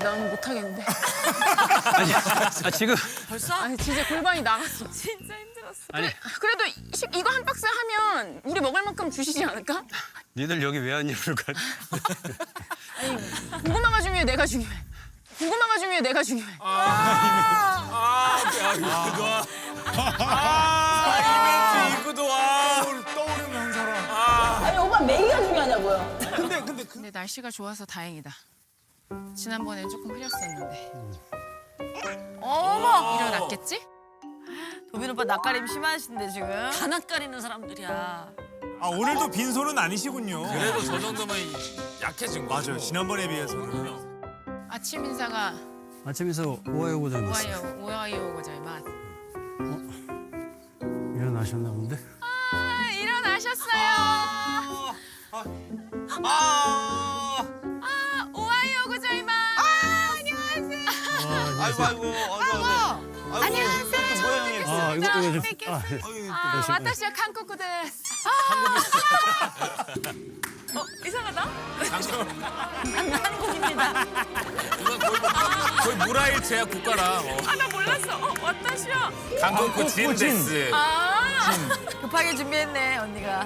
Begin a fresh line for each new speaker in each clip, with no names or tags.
나는 못하겠는데.
지금
벌써?
아니 진짜 골반이 나갔어.
진짜 힘들었어.
아니
그래도 이거 한 박스 하면 우리 먹을 만큼 주시지 않을까?
니들 여기 왜 왔냐 그럴까?
아니 고구마가 중요해 내가 중요해. 고구마가 중요해 내가 중요해.
이구도 와. 떠오르는 한 사람.
아니 오빠 메기가 중요하냐고요.
근데 날씨가 좋아서 다행이다. 지난번엔 조금 흐렸었는데. 어머! 일어났겠지?
도빈 오빠 낯가림 심하신데 지금. 다 낯가리는 사람들이야.
아 오늘도 빈손은 아니시군요.
그래도 저 정도면 약해진 거죠.
맞아요. 지난번에 비해서는.
아침 인사가
아침 인사 오하요 고자이마스.
오하요 고자이마스.
일어나셨나 본데?
아, 일어나셨어요. 오하요 고자이마스. 안녕하세요. 안녕하세요.
이거 좀.
와타시와 한국 데스. 이상하다?
한국입니다.
거의 무라일체야 국가랑.
나 몰랐어. 와타시와.
한국 진데스.
급하게 준비했네 언니가.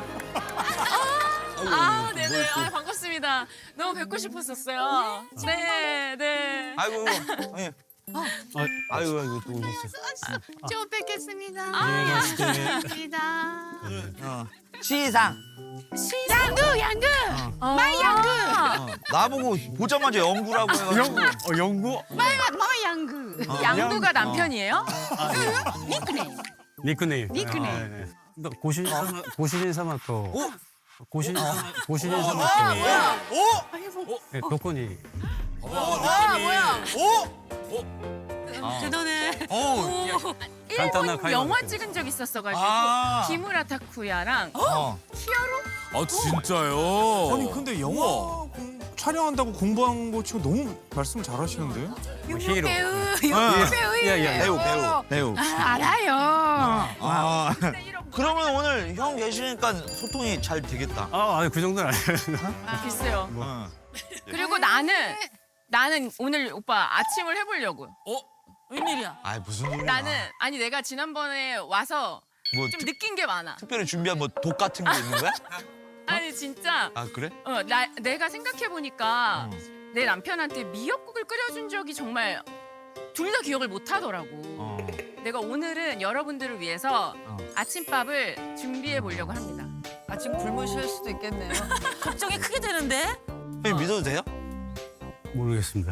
네네. 반갑습니다. 너무 뵙고 싶었었어요. 네.
아이고, 형님. 아이고, 또 오셨어요.
좀 뵙겠습니다.
안녕하세요.
시상.
양구. 마이 양구.
나보고 보자마자 연구라고 해가지고.
영구?
마이 양구. 양구가 남편이에요?
니크네임.
니크네임.
고시린 사마토. 고시린
아,
사마토. 네, 도코니.
뭐야?
대단해.
간단한
일본 영화 찍은 적 있었어가지고 기무라 타쿠야랑
아 진짜요?
아니 근데 영화 촬영한다고 공부한 거 치고 너무 말씀 잘하시는데요?
히로.
배우.
알아요.
그러면 오늘 형 계시니까 소통이 잘 되겠다.
그 정도는 아니에요.
글쎄요.
어.
그리고 나는 오늘 오빠 아침을 해보려고.
웬일이야?
아 무슨 소리야?
나는 아니 내가 지난번에 와서
뭐
좀 느낀 게 많아.
특별히 준비한 뭐 독 같은 게 있는 거야?
아니 진짜
아 그래?
내가 생각해 보니까 내 남편한테 미역국을 끓여준 적이 정말 둘 다 기억을 못 하더라고. 내가 오늘은 여러분들을 위해서 아침밥을 준비해 보려고 합니다.
아침 굶으실 수도 있겠네요. 걱정이 크게 되는데?
형님 믿어도 돼요?
모르겠습니다.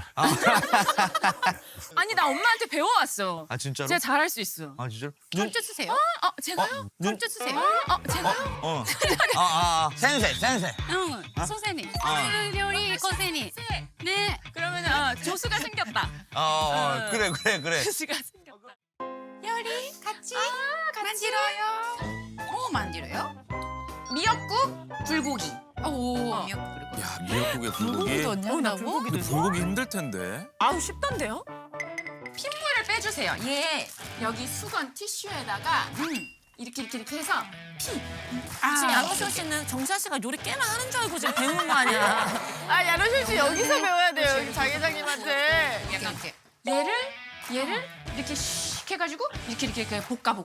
아니 나 엄마한테 배워왔어.
아 진짜로?
제가 잘할 수 있어.
아 진짜로?
좀 주세요. 제가요?
눈?
좀 주세요. 제가요?
센세.
선생님, 요리 선생님. 네.
그러면 조수가 생겼다.
그래.
조수가 생겼다.
요리 같이 만들어요. 만들어요?
미역국, 불고기.
미역국 그리고.
야 미역국에 불고기.
나
근데 불고기 힘들 텐데.
아우 쉽던데요? 핏물을 빼주세요. 여기 수건 티슈에다가 이렇게 해서
지금 양호선 씨는 정사 씨가 요리 꽤나 하는 줄 알고 지금 배우는 거 아니야?
야노실 씨 여기서 배워야 돼요. 여기 장 회장님한테.
이렇게.
얘를 이렇게 슉 해가지고 이렇게 볶아.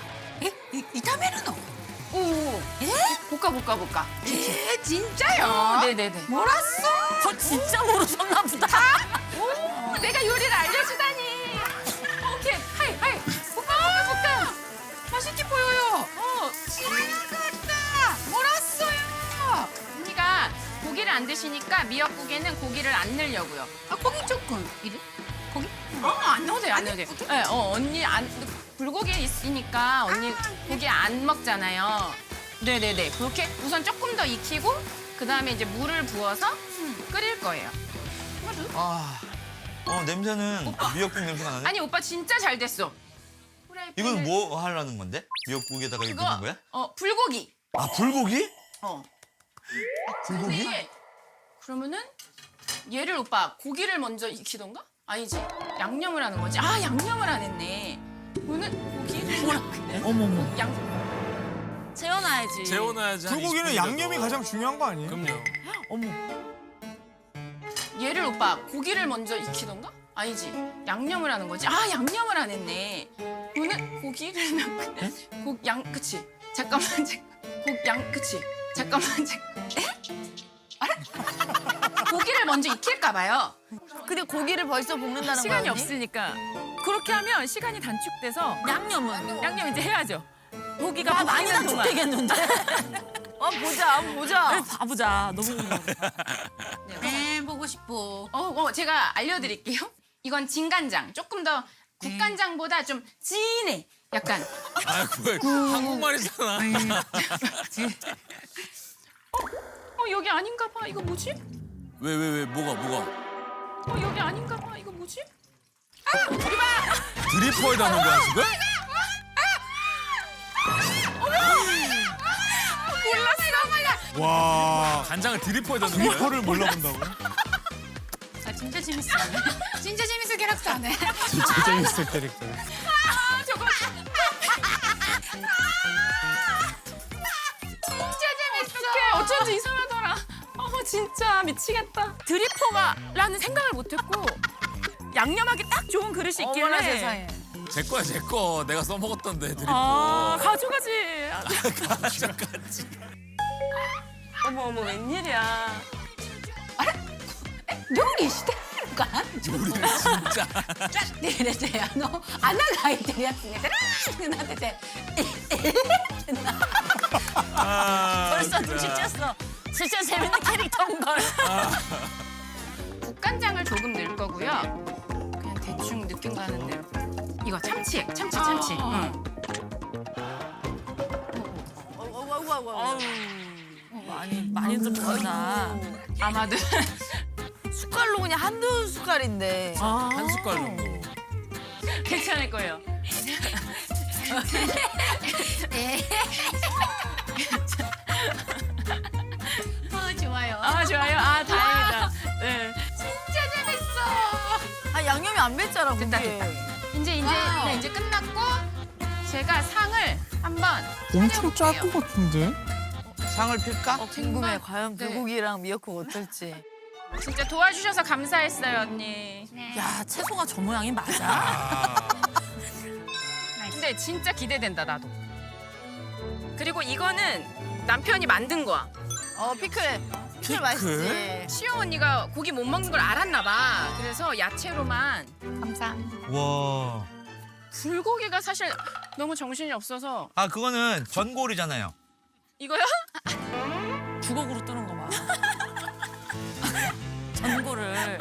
이타메르노.
오. 볶아.
진짜요?
네네네.
몰랐어? 진짜 모르셨나 보다.
내가 요리를 알려주다니. 오케이. 하이. 볶아. 맛있게 보여요.
지나갔다. 몰랐어요.
언니가 고기를 안 드시니까 미역국에는 고기를 안 넣으려고요.
고기 조금. 이래? 고기?
안 넣어도 돼요. 네, 언니 불고기 있으니까 언니 고기 안 먹잖아요. 네네네. 그렇게 우선 조금 더 익히고 그다음에 이제 물을 부어서 끓일 거예요.
냄새는 미역국 냄새가 나네.
아니 오빠 진짜 잘 됐어.
이건 뭐 하려는 건데? 미역국에다가 이거 넣는 거야?
불고기.
아 불고기?
불고기? 그러면은 얘를 오빠 고기를 먼저 익히던가? 아니지. 양념을 하는 거지. 양념을 안 했네. 그러면 고기를 어머머.
재워놔야지.
재워놔야지. 한
불고기는
20분
양념이
정도.
가장 중요한 거 아니에요?
그럼요.
어머.
얘를 오빠 고기를 먼저 익히던가? 아니지. 양념을 하는 거지. 아, 양념을 안 했네. 오늘 고기를 그치. 잠깐만. 그치. 잠깐만. 고기를 먼저 익힐까 봐요.
근데 고기를 벌써 볶는다는
시간이
거야, 언니?
없으니까. 그렇게 하면 시간이 단축돼서
양념은?
양념 이제 해야죠. 고기가
아, 많이
볶이는 동안.
단축되겠는데? 보자. 봐보자. 너무 궁금해.
보고 싶어.
제가 알려드릴게요. 이건 진간장. 조금 더 국간장보다 좀 진해. 약간.
아, 그걸 한국말이잖아.
여기 아닌가 봐. 이거 뭐지?
왜, 뭐가?
여기 아닌가 봐. 이거 뭐지?
드리퍼에다 넣은 거야, 지금?
와
간장을 드리퍼에다 넣은 거야?
리퍼를 몰라본다고?
아, 진짜 재밌어. 진짜 재밌어 캐릭터 하네.
진짜 재밌을 캐릭터.
진짜 재밌어. 어쩐지 이상하더라. 진짜 미치겠다. 드리퍼가라는 생각을 못했고 양념하기 딱 좋은 그릇이 있길래.
어머나 세상에.
제 거야, 제 거. 내가 써먹었던데, 드리퍼.
가져가지.
가져갔지.
어머 웬일이야.
料理してるのかな
요리를 진짜.
で入れて穴が開いてるやつねってなってて
벌써 눈치 챘어. 진짜 재밌는 캐릭터인 걸.
국간장을 조금 넣을 거고요. 그냥 대충 느낌 가는 대로. 이거 참치. 응.
많이 들어간다.
아마도
숟갈로 그냥 한두 숟갈인데.
한 숟갈 정도.
괜찮을 거예요.
좋아요.
좋아요. 다행이다. 네.
진짜 재밌어.
아, 양념이 안 뱄잖아, 그게.
됐다. 이제 끝났고 제가 상을 한번
엄청 짤
차려볼게요.
것 같은데?
상을 필까?
궁금해. 과연
네.
불고기랑 미역국 어떨지.
진짜 도와주셔서 감사했어요, 언니.
야, 채소가 저 모양이 맞아?
근데 진짜 기대된다, 나도. 그리고 이거는 남편이 만든 거야.
피클. 피클 맛있지.
시영 언니가 고기 못 먹는 걸 알았나 봐. 그래서 야채로만.
감사.
와.
불고기가 사실 너무 정신이 없어서.
아 그거는 전골이잖아요.
이거요?
주걱으로 뜨는 거 봐. 전골을.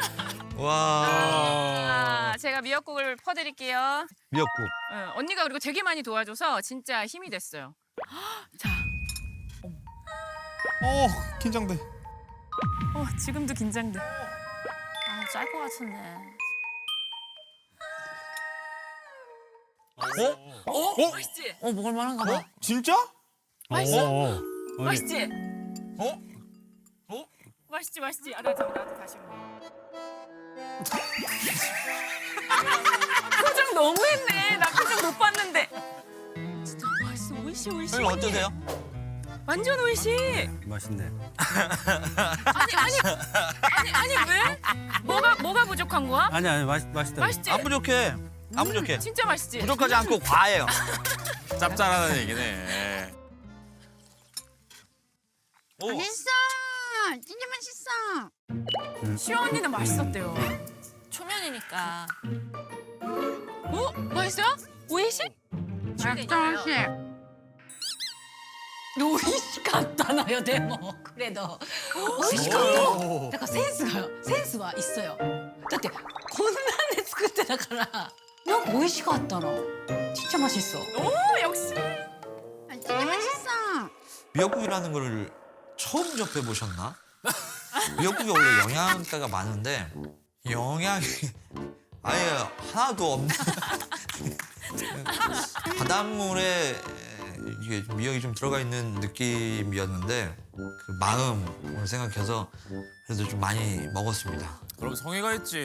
와.
제가 미역국을 퍼드릴게요.
미역국.
언니가 그리고 되게 많이 도와줘서 진짜 힘이 됐어요.
긴장돼.
지금도 긴장돼.
짤 것 같은데.
맛있지?
먹을 만한가 봐.
진짜?
맛있어?
오.
맛있지?
어?
맛있지? 나도 다시 먹어. 표정 너무했네. 나 표정 못 봤는데. 진짜 맛있어. 오이시.
선생님 어떠세요?
완전 오이시.
맛있네.
아니 왜? 뭐가 부족한 거야?
아니 맛있다.
맛있지?
안 부족해. 안 부족해.
진짜 맛있지?
부족하지 않고 과해요.
짭짤하다는 얘기네.
오.
맛있어. 진짜 맛있어.
시영 언니는 맛있었대요.
초면이니까.
맛있어요? 오이시?
맛있어. 美味しかったのよでも그래도美味しかっただからセンスは있어요だってこんなんで作ってたからなんか美味しかったの진짜 맛있어
오 역시.
진짜 맛있어
미역국이라는 걸 처음 접해 보셨나? 미역국이 원래 영양가가 많은데 영양이 아예 하나도 없는 바닷물에 이게 미역이 좀 들어가 있는 느낌이었는데 그 마음을 생각해서 그래도 좀 많이 먹었습니다.
그럼 성의가 있지.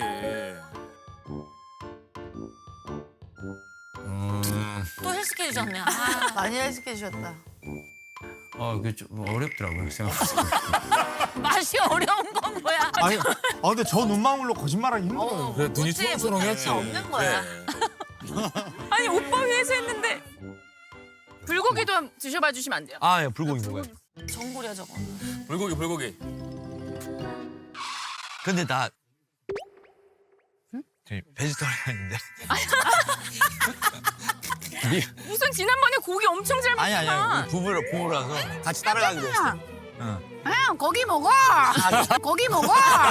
또 헬스케 해주셨네. 많이 헬스케 해주셨다.
그게 좀 어렵더라고요 생각보다.
맛이 어려운 건 뭐야?
아니, 근데 저 눈망울로 거짓말하기 힘들어요.
그래 눈이 초롱초롱했지.
없는 거야.
아니 오빠 위해서 했는데 불고기도 한번 드셔봐 주시면 안 돼요?
아, 예, 불고기 먹어요.
전골이야 저거.
불고기.
근데 나 베지터리언인데.
무슨 지난번에 고기 엄청 잘
아니
먹었구만.
부부라서 같이 따라가기로 했어.
응, 고기 먹어. 고기 먹어.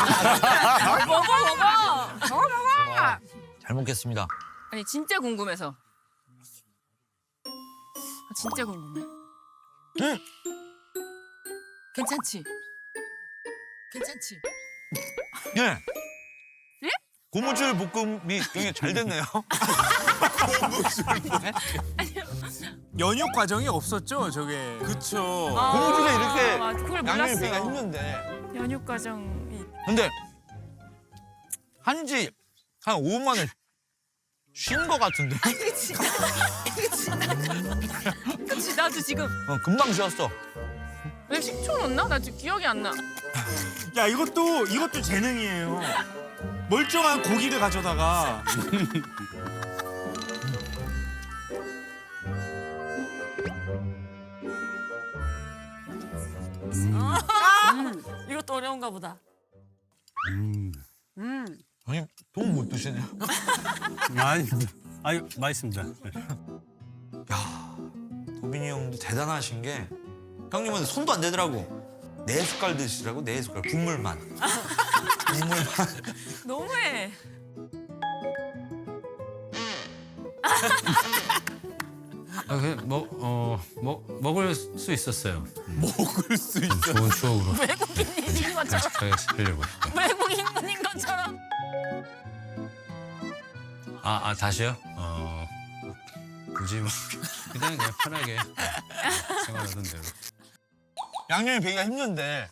먹어.
잘 먹겠습니다.
아니 진짜 궁금해서. 진짜 궁금해.
응.
괜찮지? 괜찮지?
예.
예?
고무줄 볶음이 굉장히 잘 됐네요.
연육 과정이 없었죠, 저게.
그쵸.
고무줄에 이렇게
그걸
양념이 배가
몰랐어요.
힘든데.
연육 과정이.
근데 한지 한 5분 만에 쉰 거 같은데.
그치 나도 지금
금방 쉬었어.
왜 식초 넣나? 나 지금 기억이 안 나.
야, 이것도 재능이에요. 멀쩡한 고기를 가져다가
이것도 어려운가 보다.
아니, 너무 못 드시네요.
아유 맛있습니다.
도빈이 형도 대단하신 게 형님은 손도 안 대더라고. 4숟갈 드시라고, 4숟갈. 국물만. 국물만.
너무해.
먹을 수 있었어요.
먹을 수 있어.
좋은 추억으로
외국인인 것처럼.
제가 살려고 싶어요.
외국인인 것처럼.
다시요? 굳이 뭐 그냥 편하게 생활하던 대로.
양념이 배기가 힘든데.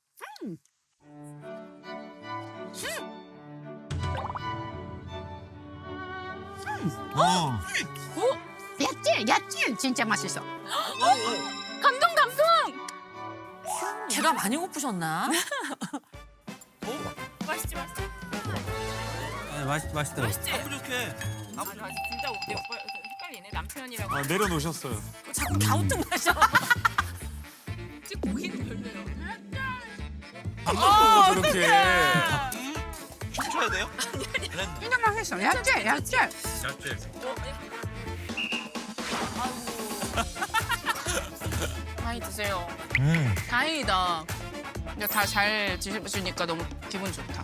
얕지? 진짜 맛있어.
감동.
배가 많이 고프셨나?
맛있지.
맛있더라고요.
맛있지.
부족해.
나 진짜 우리 오빠 헷갈리네. 남편이라고.
내려놓으셨어요.
자꾸 갸우뚱 마셔.
고기는 별로예요.
밥 먹고 저렇게.
쳐야 돼요?
진짜 맛있어. 얕지?
많이 드세요. 다행이다. 다 잘 드셔주니까 너무 기분 좋다.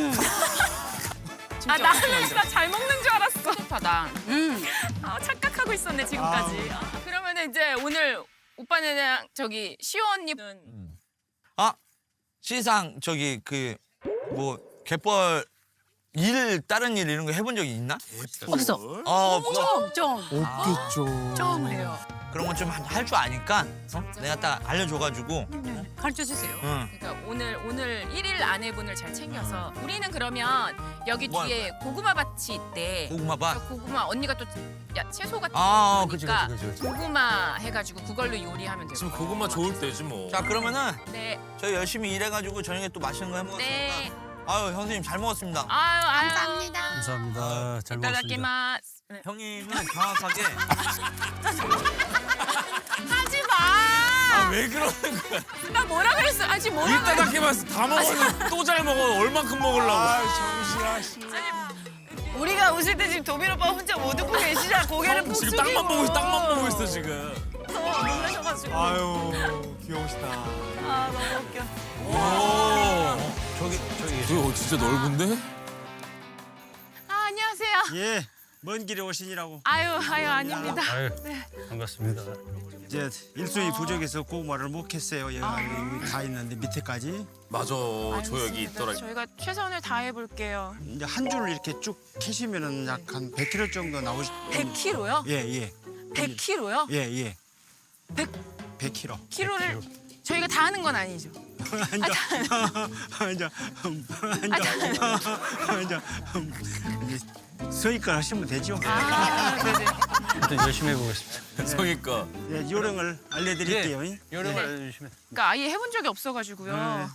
나는 진짜 잘 먹는 줄 알았어. 좋다다. 착각하고 있었네 지금까지. 그러면 이제 오늘 오빠는 저기 시호 언니는
시상 갯벌 다른 일 이런 거 해본 적이 있나?
없어. 좀
없겠죠.
처음 해요.
그런 건 좀 할 줄 아니까 내가 딱 알려줘가지고.
가르쳐 주세요.
응.
그러니까 오늘 1일 아내분을 잘 챙겨서 우리는 그러면 여기
뭐
뒤에 고구마 밭이 있대.
고구마밭.
고구마 언니가 또 채소 같은
아,
거
그치,
좋아하니까
그치, 그치.
고구마 해가지고 그걸로 요리하면 되고.
지금 고구마 좋을 때지 뭐.
자, 그러면은
네.
저희 열심히 일해가지고 저녁에 또 맛있는 거 해먹었으니까.
네.
아유, 형수님 잘 먹었습니다.
아유.
감사합니다. 잘 먹었습니다.
이따다키마스. 네.
형님은 정확하게
하지 마.
왜 그러는 거야?
나 뭐라 그랬어? 아직 뭐라 그랬어?
이따다키마스 다 먹었는데 또 잘 먹어. 얼만큼 먹으려고.
우리가 웃을 때 지금 도빈 오빠 혼자 못 웃고 계시잖아. 고개를 푹
지금
숙이고.
땅만 보고 있어 지금.
놀라셔가지고.
아유, 귀여우시다.
아 너무 웃겨.
오.
저기
저기 진짜 넓은데?
안녕하세요.
예, 먼 길에 오시느라고
아유 아닙니다.
아유 반갑습니다.
이제 일손이 부족해서 고구마를 못 캤어요. 여기 다 있는데 밑에까지
맞아. 저 여기 있더라.
저희가 최선을 다해 볼게요.
이제 한 줄을 이렇게 쭉 캐시면은 약 한 100kg 정도 나오시.
100kg요?
예.
100kg요?
예.
100
100kg.
kg를 저희가 다 하는 건 아니죠.
서니까 하시면 되죠.
일단 열심히 해보겠습니다.
성의껏.
네, 요령을 알려드릴게요.
요령을 알려주시면.
그러니까 아예 해본 적이 없어가지고요.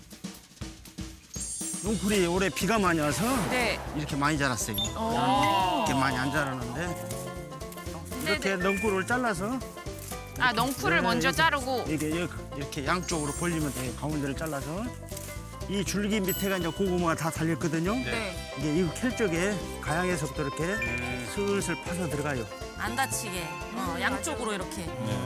농풀이 올해 비가 많이 와서
네.
이렇게 많이 자랐어요. 이렇게 많이 안 자랐는데 이렇게 넝쿨을 잘라서
아 넝쿨을 먼저 자르고.
이게 이렇게 양쪽으로 벌리면 돼요. 가운데를 잘라서 이 줄기 밑에가 이제 고구마가 다 달렸거든요.
네.
이게 이거 캘 적에 가양에서부터 이렇게 슬슬 파서 들어가요.
안 다치게. 양쪽으로 이렇게.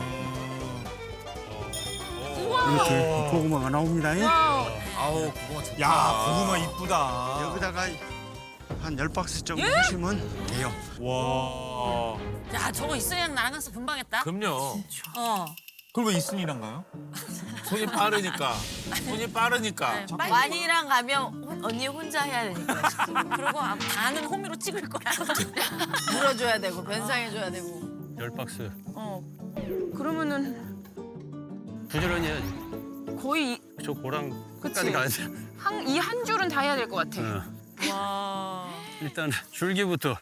이렇게 고구마가 나옵니다.
아우 고구마 좋다.
야 고구마 이쁘다.
여기다가 한 10박스 정도 하시면 돼요.
와.
야, 저거 있어야 나랑 가서 금방했다.
그럼요.
그걸 왜 이순이란가요?
손이 빠르니까. 손이 빠르니까.
완이랑 가면 언니 혼자 해야 되니까.
그리고 반은 호미로 찍을 거야.
물어줘야 되고 변상해줘야 되고.
10박스.
그러면은
부지런히 해야지.
거의
저 고랑
그치.
끝까지 가야 돼.
이 한 줄은 다 해야 될 것 같아.
와.
일단 줄기부터.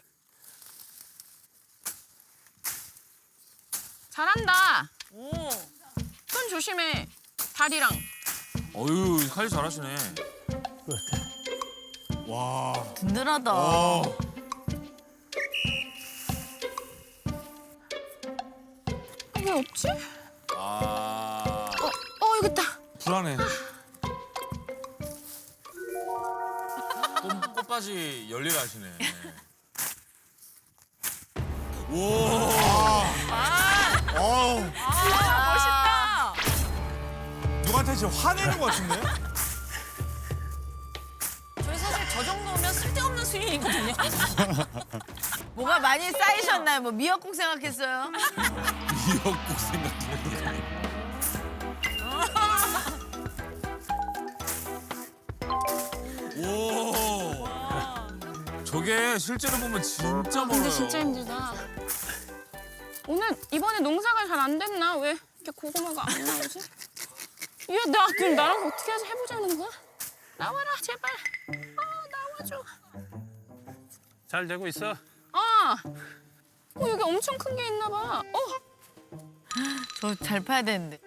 잘한다.
오.
손 조심해. 다리랑.
어유 칼 잘하시네.
와.
든든하다.
왜 없지?
아.
여기 있다.
불안해.
꽃바지 열일 하시네.
어우.
멋있다.
누구한테 지금 화내는 것 같은데?
저희 사실 저 정도면 쓸데없는 수익이거든요.
뭐가 많이 쌓이셨나요? 뭐 미역국 생각했어요?
미역국 생각해. 오. 저게 실제로 보면 진짜 멀어요.
근데 진짜 힘들다. 오늘 이번에 농사가 잘 안 됐나? 왜 이렇게 고구마가 안 나오지? 야, 그럼 나랑 어떻게 해서 해보자는 거야? 나와라, 제발. 나와줘.
잘 되고 있어?
여기 엄청 큰 게 있나 봐.
저 잘 파야 되는데.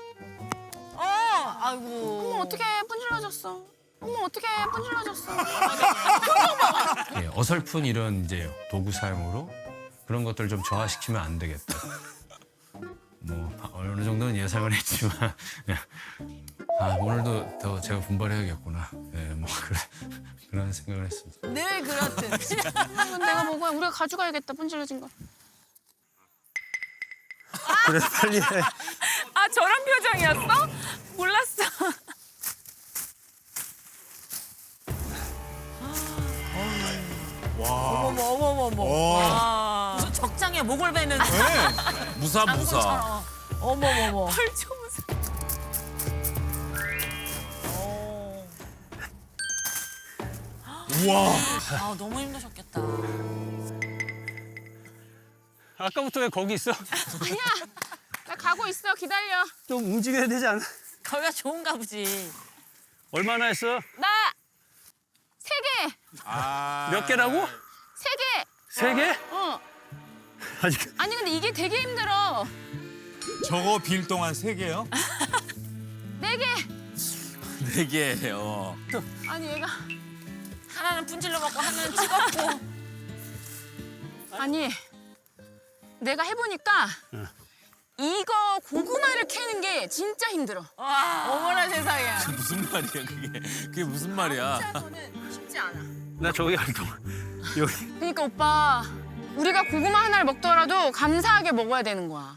아이고.
어머, 어떻게 분질러졌어. 어머, 어떻게 분질러졌어.
예, 어설픈 이런 이제 도구 사용으로 그런 것들 좀 저하시키면 안 되겠다. 뭐 어느 정도는 예상을 했지만 오늘도 더 제가 분발해야겠구나. 예, 뭐 그런 생각을 했습니다.
늘 그렇듯.
이건 내가 먹어야 우리가 가져가야겠다, 분질러진 거.
그래 빨리 해.
저런 표정이었어? 몰랐어.
어머머머머. 와.
무슨 적장에 목을 베는
무사.
어머머머.
헐초무슨.
우와.
아, 너무 힘드셨겠다.
아까부터 왜 거기 있어?
아니야. 나 가고 있어. 기다려.
좀 움직여야 되지 않아?
거기가 좋은가 보지.
얼마나 했어?
나 3개.
몇 개라고?
3개.
3개? 아직
아니 근데 이게 되게 힘들어.
저거 빌 동안 3개요?
4개.
4개예요.
아니 얘가
하나는 분질러 먹고 하나는 찍었고.
아니 내가 해보니까 이거 고구마를 캐는 게 진짜 힘들어.
어머나 세상에.
무슨 말이야 그게? 그게 무슨 말이야?
혼자서는 쉽지 않아.
나 저기 갈 동안 여기
그러니까 오빠 우리가 고구마 하나를 먹더라도 감사하게 먹어야 되는 거야.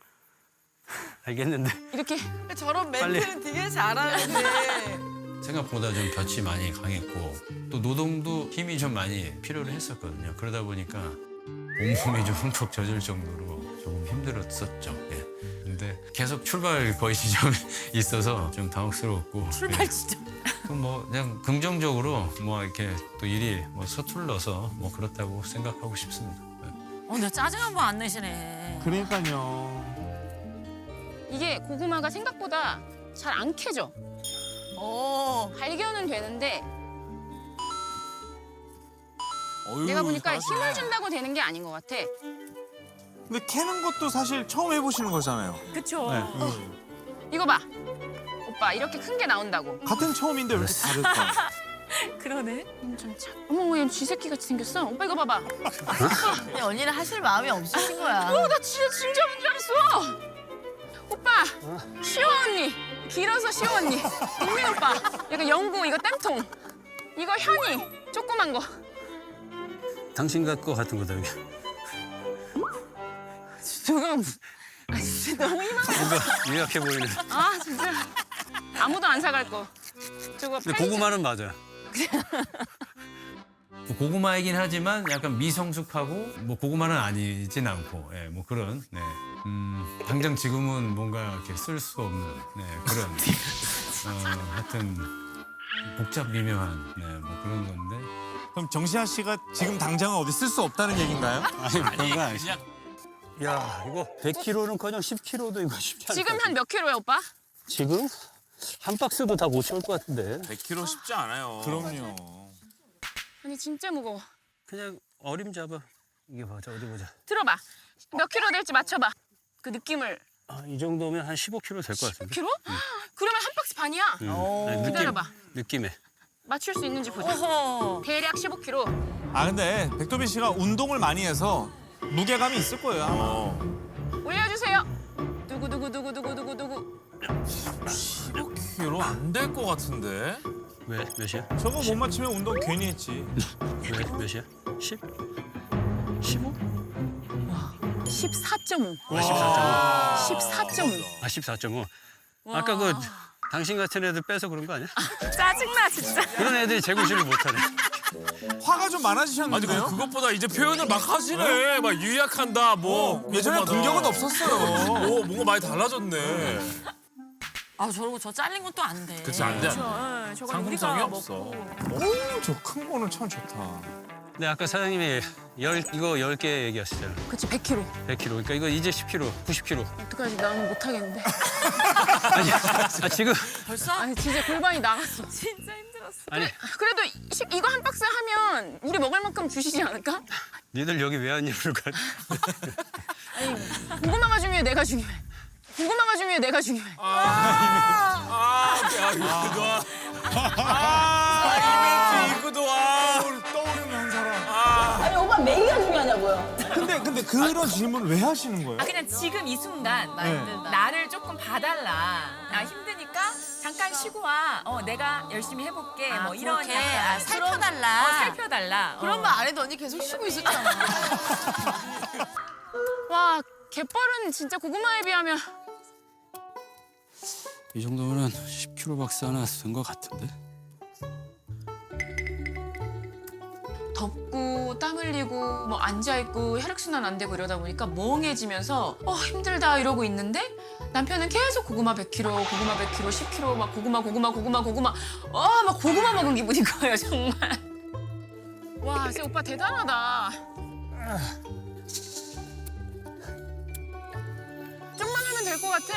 알겠는데
이렇게
저런 멘트는 되게 잘하는데.
생각보다 좀 볕이 많이 강했고 또 노동도 힘이 좀 많이 필요를 했었거든요. 그러다 보니까 온몸이 좀 흠뻑 젖을 정도로 조금 힘들었었죠. 예. 근데 계속 출발 거의 지점이 있어서 좀 당혹스러웠고
출발 지점.
뭐 그냥 긍정적으로 뭐 이렇게 또 일이 뭐 서툴러서 뭐 그렇다고 생각하고 싶습니다. 예.
근데 짜증 한 번 안 내시네.
그러니까요.
이게 고구마가 생각보다 잘 안 캐져. 발견은 되는데
어휴,
내가 보니까
잘하시네.
힘을 준다고 되는 게 아닌 것 같아.
근데 캐는 것도 사실 처음 해보시는 거잖아요.
그쵸. 이거 봐. 오빠 이렇게 큰 게 나온다고.
같은 처음인데 왜 이렇게 다를까?
그러네. 엄청 작. 어머 얘 쥐새끼 같이 생겼어. 오빠 이거 봐봐.
근데 언니는 하실 마음이 없으신 거야.
나 진짜 뭔줄 알았어. 오빠 시호 언니. 길어서 시호 언니. 국민 오빠. 약간 영구 이거 땜통. 이거 현이 조그만 거.
당신 것 같은 거다 여기.
저거 아 진짜 너무 희망해.
뭔가 유약해 보이네.
아 진짜 아무도 안 사갈 거. 저거
근데
편의점-
고구마는 맞아요.
고구마이긴 하지만 약간 미성숙하고 뭐 고구마는 아니진 않고 뭐 그런 당장 지금은 뭔가 이렇게 쓸 수 없는 그런 하여튼 복잡 미묘한 뭐 그런 건데
그럼 정시아 씨가 지금 당장은 어디 쓸 수 없다는 얘기인가요?
아니 그런 거 아니야. 야 이거 100kg는커녕 10kg도 이거 쉽지 않다.
지금 한 몇 킬로야 오빠?
지금 한 박스도 다 못 채울 것 같은데.
100kg 쉽지 않아요.
그럼요.
아니 진짜 무거워.
그냥 어림잡아. 이게 보자 어디 보자.
들어봐. 몇 킬로 될지 맞춰봐. 그 느낌을.
이 정도면 한 15kg 될 것 같은데.
킬로? 그러면 한 박스 반이야.
아니,
기다려봐.
느낌에.
맞출 수 있는지 보자. 대략 15kg.
아 근데 백도빈 씨가 운동을 많이 해서 무게감이 있을 거예요. 아마.
올려주세요. 두구두구두구두구두구두구.
15kg 안 될 것 같은데.
왜 몇이야?
저거 못 맞추면 운동 괜히 했지.
왜 몇이야? 10? 15?
14.5.
14.5.
14.5.
14.5. 아까 그 당신 같은 애들 빼서 그런 거 아니야?
짜증나 진짜.
그런 애들이 재구실을 못하네.
화가 좀
아니
많아지셨는데요?
그것보다 이제 표현을 막 하시네. 막 유약한다. 뭐
예전에
고구마다.
공격은 없었어요.
오 뭔가 많이 달라졌네.
아 저러고 저 잘린 건 또 안 돼.
그치 안 돼.
저거
상품성이
우리가
없어.
먹고.
저 큰 거는 참 좋다.
근데 아까 사장님이 이거 10개 얘기하시잖아.
그치 100kg.
100kg. 그러니까 이거 이제 10kg, 90kg.
어떡하지 나는 못하겠는데.
지금
벌써?
아니 진짜 골반이 나갔어. 진짜 힘들었어.
아니
그래도 이거 한 박스 하면 우리 먹을 만큼 주시지 않을까?
니들 여기 왜 왔냐 그럴까?
아니 고구마가 중요해 내가 중요해. 고구마가 중요해 내가 중요해.
이벤트 이구도 와.
떠오르는 한 사람.
아니 오빠 메이가 중요하냐고요.
근데 그런 질문 왜 하시는 거예요?
그냥 지금 이 순간 나를 조금 봐달라. 나 힘드니까 잠깐 쉬고 와. 내가 열심히 해볼게. 뭐 이런
그렇게?
약간
살펴달라.
살펴달라.
그런 말 안 해도 언니 계속 쉬고 있었잖아.
와 갯벌은 진짜 고구마에 비하면
이 정도면 10kg 박스 하나 쓴 것 같은데?
덥고 땀 흘리고 뭐 앉아 있고 혈액 순환 안 되고 이러다 보니까 멍해지면서 힘들다 이러고 있는데 남편은 계속 고구마 100kg, 고구마 100kg, 10kg 막 고구마 막 고구마 먹은 기분인 거예요 정말. 와, 쟤 오빠 대단하다. 좀만 하면 될 것 같아.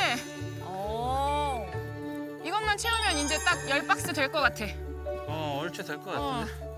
이것만 채우면 이제 딱 10박스 될 것 같아.
얼추 될 것 같은데?